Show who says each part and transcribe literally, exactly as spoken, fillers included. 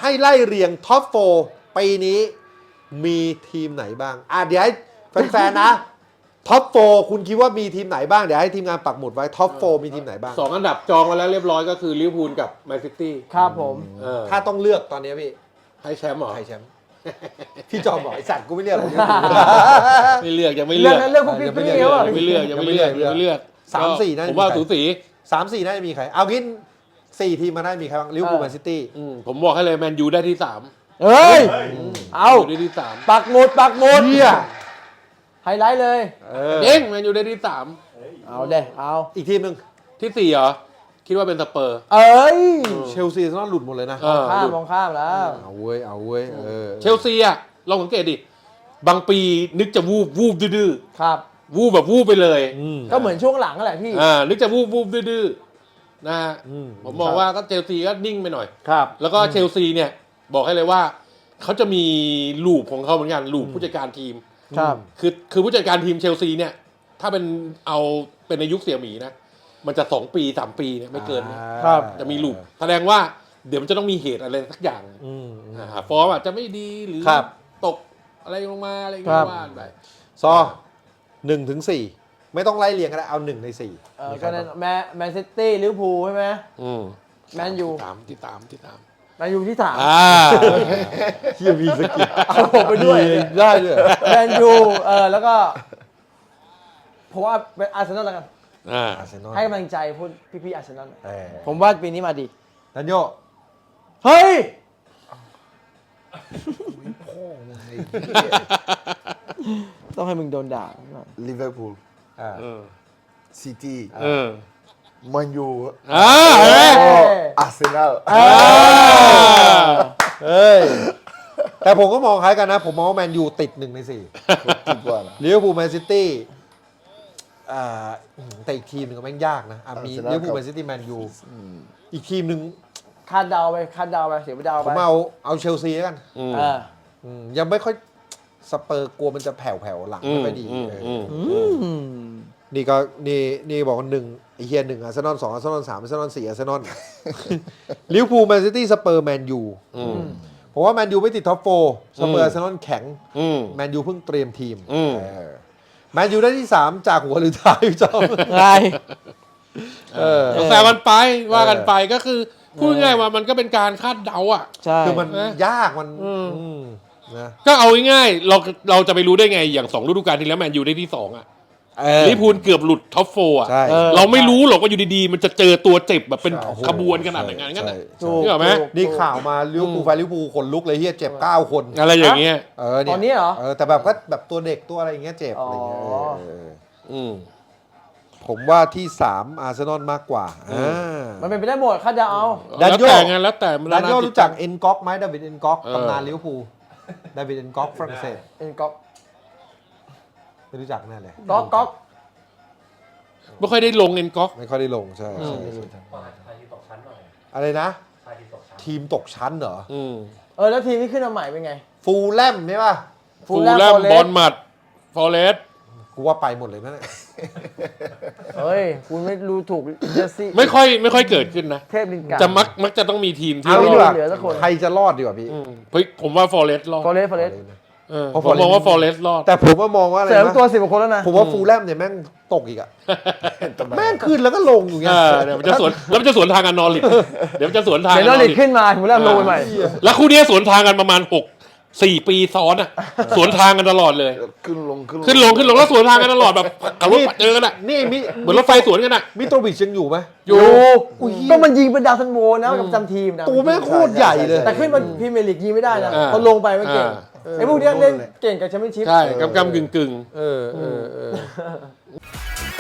Speaker 1: ให้ไล่เรียงท็อปโฟร์ปีนี้มีทีมไหนบ้างอ่ะเดี๋ยวให้แฟนๆนะท็อปโฟร์คุณคิดว่ามีทีมไหนบ้างเดี๋ยวให้ทีมงานปักหมุดไว้ท็อปโฟร์มีทีมไหนบ้าง
Speaker 2: สองอันดับจองมาแล้วเรียบร้อยก็คือลิเวอร์พูลกับแมนซิตี้
Speaker 3: ครับผม
Speaker 1: ถ้าต้องเลือกตอนนี้พี่
Speaker 2: ให้แชมป์เหรอ
Speaker 1: ให้แชมป์พี่จอมบอกไอ้สัตว์กูไม่เลือกผม
Speaker 2: ไม่เลือกยังไม่
Speaker 3: เลื
Speaker 2: เลื
Speaker 3: อ
Speaker 2: อก ก
Speaker 3: นะเลือกพวกพี่พี่เขาอ่ะ
Speaker 2: ยังไม่เลือกยังไม่เลือกยังไม่เลือก
Speaker 1: สามสี่น่าจะ
Speaker 2: ผมว่าสูสี
Speaker 1: สามสี่น่าจะมีใครเอางี้สี่ทีมมาได้มีใครบ้างลิเวอร์พูลแมนซิตี้
Speaker 2: อืมผมบอกให้เลยแมนยูได้ที่สาม
Speaker 3: เฮ้ยเอา
Speaker 2: ได้ที่สาม
Speaker 3: ปักหมุดปักหมุด
Speaker 1: เฮีย
Speaker 3: ไฮไลท์เลย
Speaker 1: เออ
Speaker 2: เองแมนยูได้ที่สาม
Speaker 3: เอาเด้เอา
Speaker 1: อีกทีมหนึ่ง
Speaker 2: ที่สี่เหรอคิดว่าเป็นสเปอร์
Speaker 3: เอ้ย
Speaker 1: เชลซีต้องหลุดหมดเลยนะ
Speaker 2: เออ
Speaker 3: ข้ามมองข้ามแล้ว
Speaker 1: เอาเว้ยเอาเว้ยเออ
Speaker 2: เชลซีอะลองสังเกตดิบางปีนึกจะวูบวูบดื้อ
Speaker 3: ครับ
Speaker 2: ๆวูบแบบวูบไปเลย
Speaker 1: อืม
Speaker 3: ก็เหมือนช่วงหลังนั่นแหละพี่
Speaker 2: อ่านึกจะวูบวูบดื้อๆนะฮะ
Speaker 1: อืม
Speaker 2: ผมมองว่าก็เชลซีก็นิ่งไปหน่อย
Speaker 1: ครับ
Speaker 2: แล้วก็เชลซีเนี่ยบอกให้เลยว่าเขาจะมีลูปของเขาเหมือนกันลูปผู้จัดการทีม
Speaker 3: ครับ
Speaker 2: คือคือผู้จัดการทีมเชลซีเนี่ยถ้าเป็นเอาเป็นในยุคเสี่ยหมีนะมันจะสองปีสามปีเนี่ยไม่เกินเนี่ย
Speaker 3: ครับ
Speaker 2: จะมีลูปแสดงว่าเดี๋ยวมันจะต้องมีเหตุอะไรสักอย่าง
Speaker 1: อืม
Speaker 2: อ่าฟอร์มอาจจะไม่ดีหรือ
Speaker 1: ครับ
Speaker 2: ตกอะไรลงมาอะไรอย่าง
Speaker 3: ครั
Speaker 2: เงี้
Speaker 3: บ
Speaker 2: ยว่าไป
Speaker 1: ซอหนึ่งถึงสี่ไม่ต้องไล่เรียงก็ได้เอาหนึ่งในสี่
Speaker 3: เออก็นั่นแมนแมนซิตี้ลิเวอร์พูลใช่ไหม
Speaker 2: อืม
Speaker 3: แมนยู
Speaker 2: ที่ตามที่ตามที่ตาม
Speaker 3: แมนยูที่สาม
Speaker 2: อ่า
Speaker 1: เฮียมีสกิล
Speaker 3: เอาผมไปด้วย
Speaker 1: ได้ด้วย
Speaker 3: แมนยูเออแล้วก็ผมว่าเป็นอาร์เซนอลแล้วกัน
Speaker 2: อ่า
Speaker 1: อาร์เซนอล
Speaker 3: ให้กำลังใจพวกพี่ๆอาร์เซนอล
Speaker 1: เออ
Speaker 3: ผมว่าปีนี้มาดี
Speaker 1: ดันโย
Speaker 3: เฮ้ย ต้องให้มึงโดนด่า
Speaker 4: ลิเวอร์พูล
Speaker 1: อ่า
Speaker 2: เออ
Speaker 4: ซิตี้
Speaker 2: เออ
Speaker 4: แมันยู
Speaker 2: อ่าเฮ้ย
Speaker 4: อาร์เซนอล
Speaker 2: อ่า
Speaker 1: เฮ้ยแต่ผมก็มองคล้ายกันนะ ผมมองว่าแมนยูติดหนึ่งในสี่
Speaker 4: คิดว่านะ
Speaker 1: ลิเวอร์พูลแมนซิตี้อ่าแต่อีกทีมหนึ่งก็แม่งยากนะอ่ะมี
Speaker 4: Arsenal
Speaker 1: ลิเวอร์พูลแมนซิตี้แมนยูอีกทีมหนึ่ง
Speaker 3: คาดเดาไปคาดเดาไปเสียไปเดา
Speaker 1: ผ
Speaker 3: ไป
Speaker 1: มเอาเอาเชลซีแล้วกัน
Speaker 2: อืม
Speaker 3: เออ
Speaker 1: อืมยังไม่ค่อยสเปอร์กลัวมันจะแผ่วๆหลังไม่ค่อยดี
Speaker 2: อืม
Speaker 1: เออ
Speaker 2: อืม
Speaker 3: อืม
Speaker 1: นี่ก็นี่นี่บอกว่าหนึ่งไอเฮียหนึ่งอาร์เซนอลสองอาร์เซนอลสามอาร์เซนอลสี่อาร์เซนอล ลิเวอร์พูลแมนซิตี้สเปอร์แมนยู
Speaker 2: อืม
Speaker 1: ผมว่าแมนยูไม่ติดท็อปโฟร์สเปอ
Speaker 2: อื
Speaker 1: ร์
Speaker 2: ม
Speaker 1: อาร์เซนอลแข็ง
Speaker 2: อืม
Speaker 1: แมนยูเพิ่งเตรียมทีม
Speaker 2: อืม
Speaker 1: เออแมนยูได้ที่สามจากหัวหรือท้ายพี่จอม
Speaker 3: ไง
Speaker 1: เออ
Speaker 2: แซวกันไปว่ากันไปก็คือพูดง่ายๆว่ามันก็เป็นการคาดเดาอ่ะ
Speaker 3: ใช่
Speaker 1: คือมัน
Speaker 2: นะ
Speaker 1: ยากมัน
Speaker 2: อืม
Speaker 1: อืมนะ
Speaker 2: ก็เอาง่ายๆเราเราจะไปรู้ได้ไงอย่างสองฤดูกาลที่แล้วแมนยูได้ที่สองอ่ะ
Speaker 1: เออ
Speaker 2: ลิเวอร์พูลเกือบหลุดท็อปโฟร์อ่ะ
Speaker 1: ใช่
Speaker 3: ออ
Speaker 2: เราไม่รู้หรอกว่าอยู่ดีๆ มันจะเจอตัวเจ็บแบบเป็น
Speaker 1: โอ้โห
Speaker 2: ขบวนขนาดไหนงั้น
Speaker 1: ใช่
Speaker 2: น่ะ
Speaker 1: ใช่
Speaker 3: ถูก
Speaker 2: นึกออกไหม
Speaker 3: ถูก
Speaker 1: นี่ข่าวมาลิเวอร์พูลแฟนลิเวอร์พูลขนลุกเลยเฮียเจ็บเก้าคน
Speaker 2: อะไรอย่างเงี้ย
Speaker 1: เออเนี่ย
Speaker 3: ตอนนี้เหรอ
Speaker 1: เออแต่แบบก็แบบตัวเด็กตัวอะไรอย่างเงี้ยเจ็บอะไรอย่างเงี้ย
Speaker 3: อ๋อ
Speaker 1: เออเออ
Speaker 2: อืม
Speaker 1: ผมว่าที่สามอาร์เซนอลมากกว่าอ่า
Speaker 3: มันเป็นไปได้หมดคาดเดาเอา
Speaker 1: ดัน
Speaker 2: แล้ว
Speaker 1: โย
Speaker 2: แต่ไงแล้วแต่มัน
Speaker 1: ดันโย
Speaker 2: าติด
Speaker 1: รู้จักเอ็นก๊อกไหมดาวิดเอ็นก๊อก
Speaker 2: เออ
Speaker 1: ตำนานลิเวอร์พูลดาวิดเอ็นก๊อกฝรั่งเศส
Speaker 3: เอ็นก๊อก
Speaker 1: ไม่รู้จักแน่เลย
Speaker 3: ก๊อกก๊อก
Speaker 2: ไม่ค่อยได้ลงเงินก๊อก
Speaker 1: ไม่ค่อยได้ลงใช่
Speaker 2: อืม
Speaker 1: ใช่ใช่อะไรนะ ทีมตกชั้นเหรอ
Speaker 2: อืม
Speaker 3: เออแล้วทีมที่ขึ้นมาใหม่เป็นไง
Speaker 1: ฟูลแลมใช่ป่ะ
Speaker 3: ฟู
Speaker 2: ฟู
Speaker 3: ล
Speaker 2: ล
Speaker 3: แลม
Speaker 2: แลม
Speaker 3: Forest
Speaker 2: บอลมัดฟอเรสต์
Speaker 1: กูว่าไปหมดเลยนั่นแหละ
Speaker 3: เฮ้ย คุณไม่รู้ถูกเจสซี่
Speaker 2: ไม่ค่อยไม่ค่อยเกิดขึ้นนะ
Speaker 3: เทพลินการ์
Speaker 2: จะมักมักจะต้องมีทีมที่
Speaker 1: เอา
Speaker 2: ร
Speaker 1: ดี
Speaker 2: อก ด
Speaker 1: ว่า
Speaker 3: เหลือสักคน
Speaker 1: ใครจะรอดดีกว่าพี่
Speaker 2: อืมเฮ้ยผมว่าฟอเรสต์รอด
Speaker 3: ฟอเรสต์ฟอเรสต์
Speaker 2: เออ
Speaker 1: เพราะ
Speaker 2: ผมมองว่าฟอเรสต์รอด
Speaker 1: แต่ผมว่ามองว่าอะไร
Speaker 3: เสริม
Speaker 1: นะ
Speaker 3: ตัวสิบกว่าคนแล้วนะ
Speaker 1: ผมว่าฟูลแลมเนี่ยแม่งตกอีกอะแม่งขึ้นแล้วก็ลงอยู่เงี้
Speaker 2: เอย อเดี๋ยวมันจะสวนแล้วมันจะสวนทางกันนอริดเดี๋ยวมันจะสวนทาง
Speaker 3: เดี๋ยว
Speaker 2: กัน
Speaker 3: นอริดขึ้นมาฟูลแลมลงไปใหม่
Speaker 2: แล้วคู่เนี้ยสวนทางกันประมาณหกสี่ปีซ้อนอ่ะ สวนทางกันตลอดเลย
Speaker 4: ขึ้นลงขึ้น
Speaker 2: ขึ้นลงขึ้นลงแล้วสวนทางกันตลอดแบบขับรถเจอกันอ่ะ
Speaker 1: นี่มิ
Speaker 2: เหมือนรถไฟสวนกันอ่ะ
Speaker 1: มิโตรวิชยังอยู่ไหม
Speaker 2: อยู่
Speaker 1: อุ้ย
Speaker 3: ก็มันยิงเป็นดาวซันโวนะกับจำทีมนะ
Speaker 1: ตัวแม่งโคตรใหญ่เลย
Speaker 3: แต่ขึ้นมาพรีเมียร์ลีกยิงไม่ได้นะ
Speaker 2: อ่า
Speaker 3: เขาลงไปไม่เก่ง
Speaker 2: อ่า
Speaker 3: ไอ้พวกเนี้ยเล่นเก่งกับแชมเปี้ยนชิพ
Speaker 2: ใช่กำกำกึ่งกึ่ง
Speaker 1: เออเออเออ